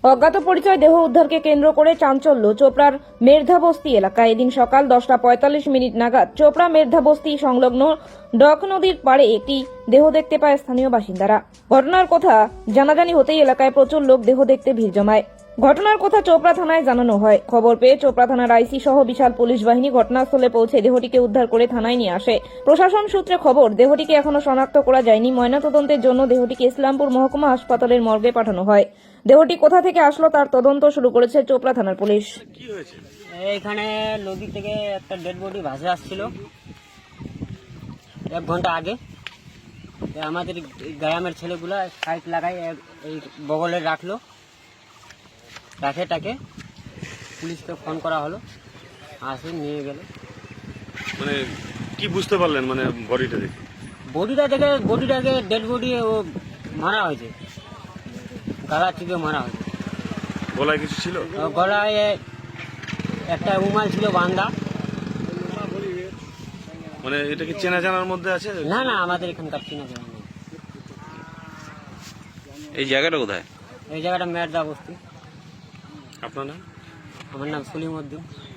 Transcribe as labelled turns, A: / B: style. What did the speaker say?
A: অজ্ঞাত পরিচয় দেহ উদ্ধারকে কেন্দ্র করে চাঞ্চল্য চোপড়ার মের্ধাবস্তি এলাকায়। এদিন সকাল 10:45 নাগাদ চোপড়া মের্ধাবস্তি সংলগ্ন ডক নদীর পাড়ে একটি দেহ দেখতে পায় স্থানীয় বাসিন্দারা। ঘটনার কথা জানাজানি হতেই এলাকায় প্রচুর লোক দেহ দেখতে ভিড় জমায়। ঘটনার কথা চোপড়া থানায় জানানো হয়। খবর পেয়ে চোপড়া থানার আইসি সহ বিশাল পুলিশ বাহিনী ঘটনাস্থলে পৌঁছে দেহটিকে উদ্ধার করে থানায় নিয়ে আসে। প্রশাসন সূত্রে খবর, দেহটিকে এখনো শনাক্ত করা যায়নি। ময়নাতদন্তের জন্য দেহটিকে ইসলামপুর মহকুমা হাসপাতালের মর্গে পাঠানো হয়। দেহটি কোথা থেকে আসলো তার তদন্ত শুরু করেছে চোপড়া থানার পুলিশ।
B: কি হয়েছে?
C: এইখানে নদী থেকে একটা ডেড বডি ভাসে আসছিল 1 ঘন্টা আগে। আমাদের গ্রামের ছেলেগুলা সাইড লাগাই এই বগলে রাখলো, রাখে পুলিশকে ফোন করা হলো, আসে নিয়ে গেল।
B: মানে কি বুঝতে পারলেন মানে বডিটা দেখে?
C: বডিটাকে ডেড বডি ও মারা হয়েছে, গালা টিপে মারা হয়েছে।
B: গলায় কিছু ছিল?
C: গলায় একটা রুমাল ছিল বান্ধা।
B: মানে এটা কি চেনা জানার মধ্যে আছে?
C: না আমাদের এখানকার চিনা জানা নেই।
D: এই জায়গাটা কোথায়?
C: এই জায়গাটা মের্ধাবস্তি।
B: আপনার নাম?
C: আমার নাম সলিম উদ্দিন।